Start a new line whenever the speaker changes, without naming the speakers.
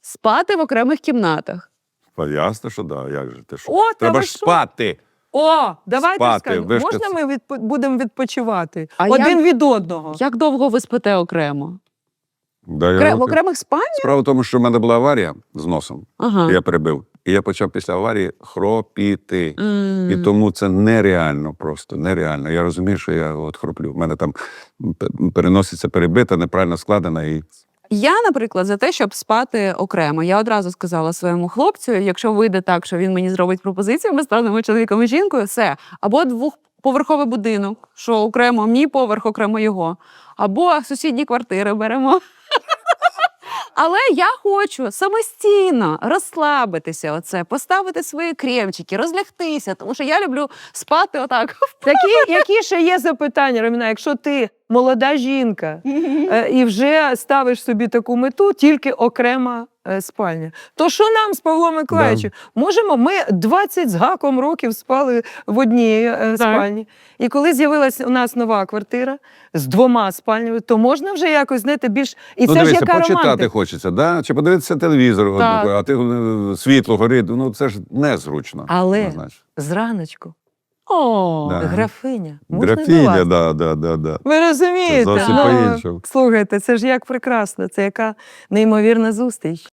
спати в окремих кімнатах.
Ясно, що да, як же ти що?
О, та
Треба
ви
ж
що?
спати.
О, давайте
Спати,
скажемо,
ви ж
можна
це-
ми будемо відпочивати?
А
Один
як-
від одного.
Як довго ви спите окремо?
Да,
В окремих спальнях?
Справа в тому, що в мене була аварія з носом,
Ага.
я перебив. І я почав після аварії хропіти. І
М.
тому це нереально просто, нереально. Я розумію, що я от хроплю. В мене там переноситься перебита, неправильно складена. І
Я, наприклад, за те, щоб спати окремо. Я одразу сказала своєму хлопцю, якщо вийде так, що він мені зробить пропозицію, ми станемо чоловіком і жінкою, все. Або двохповерховий будинок, що окремо мій поверх, окремо його. Або сусідні квартири беремо. Але я хочу самостійно розслабитися, поставити свої кремчики, розлягтися, тому що я люблю спати отак.
Які ще є запитання, Роміна, якщо ти молода жінка і вже ставиш собі таку мету, тільки окрема спальня, то що нам з Павлом Миколаївичем? Можемо, ми 20 з гаком років спали в одній спальні. І коли з'явилася у нас нова квартира з 2 спальнями, то можна вже якось, знаєте, більш... І
ну,
це ж
дивися,
яка
почитати
романтика.
хочеться, да? Чи подивитися телевізор,
Так.
а ти світло горить, ну це ж незручно.
Але
однозначно.
зраночку
О,
Да.
графиня. Можна до
Графіня,
вас?
да.
Ви розумієте?
Це зовсім
Ну,
по-іншому.
слухайте, це ж як прекрасно, це яка неймовірна зустріч.